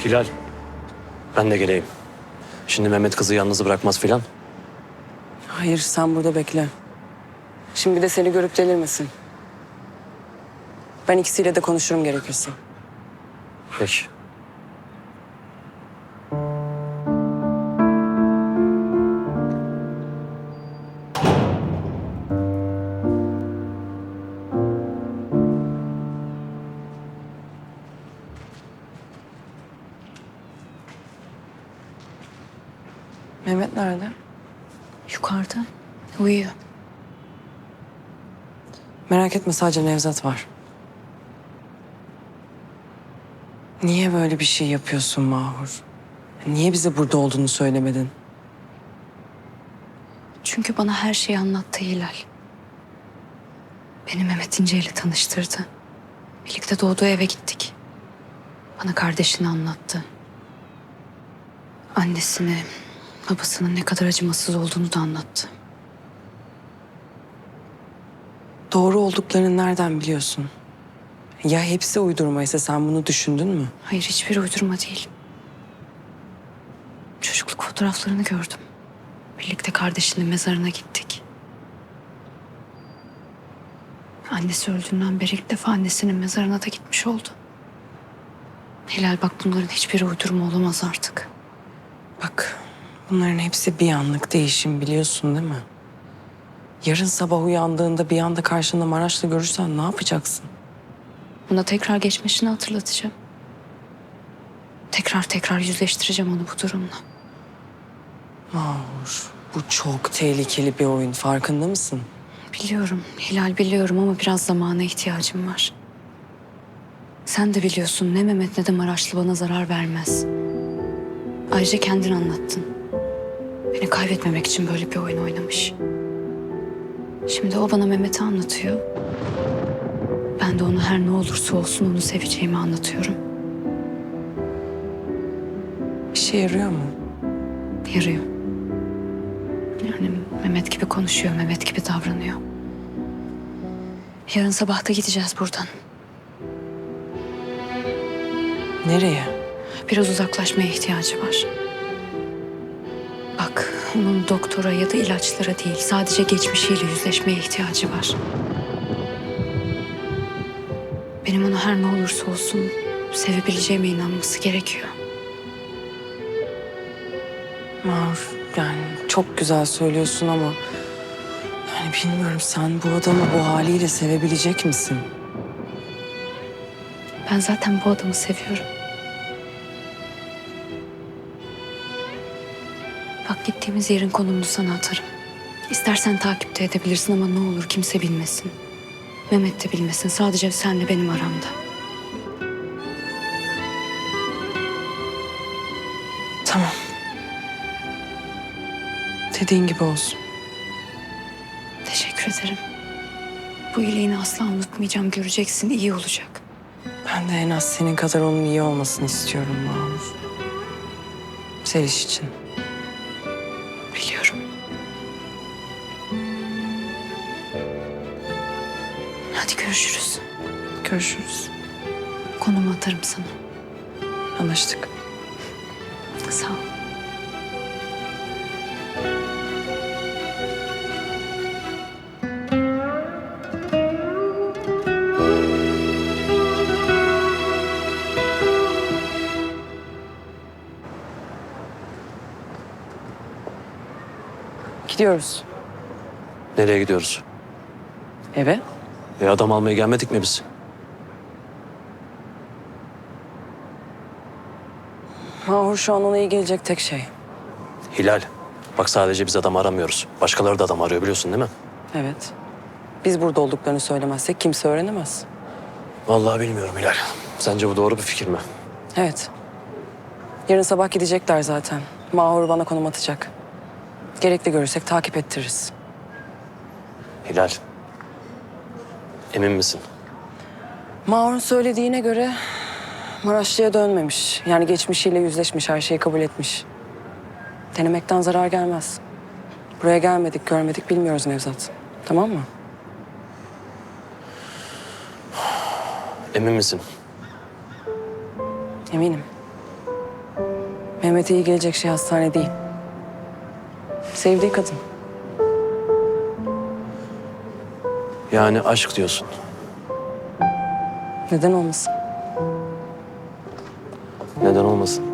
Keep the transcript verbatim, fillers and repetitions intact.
Hilal, ben de geleyim. Şimdi Mehmet kızı yalnız bırakmaz filan. Hayır, sen burada bekle. Şimdi bir de seni görüp delirmesin. Ben ikisiyle de konuşurum gerekirse. Peki. Mehmet nerede? Yukarıda. Uyuyor. Merak etme, sadece Nevzat var. Niye böyle bir şey yapıyorsun Mahur? Niye bize burada olduğunu söylemedin? Çünkü bana her şeyi anlattı Hilal. Beni Mehmet İnce ile tanıştırdı. Birlikte doğduğu eve gittik. Bana kardeşini anlattı. Annesini, babasının ne kadar acımasız olduğunu da anlattı. Doğru olduklarını nereden biliyorsun? Ya hepsi uydurmaysa sen bunu düşündün mü? Hayır, hiçbir uydurma değil. Çocukluk fotoğraflarını gördüm. Birlikte kardeşinin mezarına gittik. Annesi öldüğünden beri ilk defa annesinin mezarına da gitmiş oldu. Hilal bak, bunların hiçbiri uydurma olamaz artık. Bak, bunların hepsi bir anlık değişim, biliyorsun değil mi? Yarın sabah uyandığında bir anda karşında Maraş'la görürsen ne yapacaksın? Ona tekrar geçmişini hatırlatacağım. Tekrar tekrar yüzleştireceğim onu bu durumla. Mahur, bu çok tehlikeli bir oyun, farkında mısın? Biliyorum Hilal, biliyorum ama biraz zamana ihtiyacım var. Sen de biliyorsun, ne Mehmet ne de Maraşlı bana zarar vermez. Ayrıca kendin anlattın. Beni kaybetmemek için böyle bir oyun oynamış. Şimdi o bana Mehmet'i anlatıyor. Ben de ona her ne olursa olsun onu seveceğimi anlatıyorum. İşe yarıyor mu? Yarıyor. Yani Mehmet gibi konuşuyor, Mehmet gibi davranıyor. Yarın sabah da gideceğiz buradan. Nereye? Biraz uzaklaşmaya ihtiyacı var. Bak, onun doktora ya da ilaçlara değil, sadece geçmişiyle yüzleşmeye ihtiyacı var. Benim onu her ne olursa olsun sevebileceğime inanması gerekiyor. Mahur, yani çok güzel söylüyorsun ama... Yani bilmiyorum, sen bu adamı bu haliyle sevebilecek misin? Ben zaten bu adamı seviyorum. Bak, gittiğimiz yerin konumunu sana atarım. İstersen takipte edebilirsin ama ne olur kimse bilmesin. Mehmet de bilmesin. Sadece senle benim aramda. Tamam. Dediğin gibi olsun. Teşekkür ederim. Bu iyiliğini asla unutmayacağım. Göreceksin, iyi olacak. Ben de en az senin kadar onun iyi olmasını istiyorum Mahur. Seliş için. Biliyorum. Hadi görüşürüz. Görüşürüz. Konumu atarım sana. Anlaştık. Sağ ol. Gidiyoruz. Nereye gidiyoruz? Eve. E adam almaya gelmedik mi biz? Mahur, şu an ona iyi gelecek tek şey. Hilal, bak sadece biz adam aramıyoruz. Başkaları da adam arıyor, biliyorsun değil mi? Evet. Biz burada olduklarını söylemezsek kimse öğrenemez. Vallahi bilmiyorum Hilal. Sence bu doğru bir fikir mi? Evet. Yarın sabah gidecekler zaten. Mahur bana konum atacak. Gerekli görürsek takip ettiririz. Hilal, emin misin? Mahur'un söylediğine göre Maraşlı'ya dönmemiş. Yani geçmişiyle yüzleşmiş, her şeyi kabul etmiş. Denemekten zarar gelmez. Buraya gelmedik, görmedik, bilmiyoruz Nevzat. Tamam mı? Emin misin? Eminim. Mehmet'e iyi gelecek şey hastane değil. Sevdiği kadın. Yani aşk diyorsun. Neden olmasın? Neden olmasın?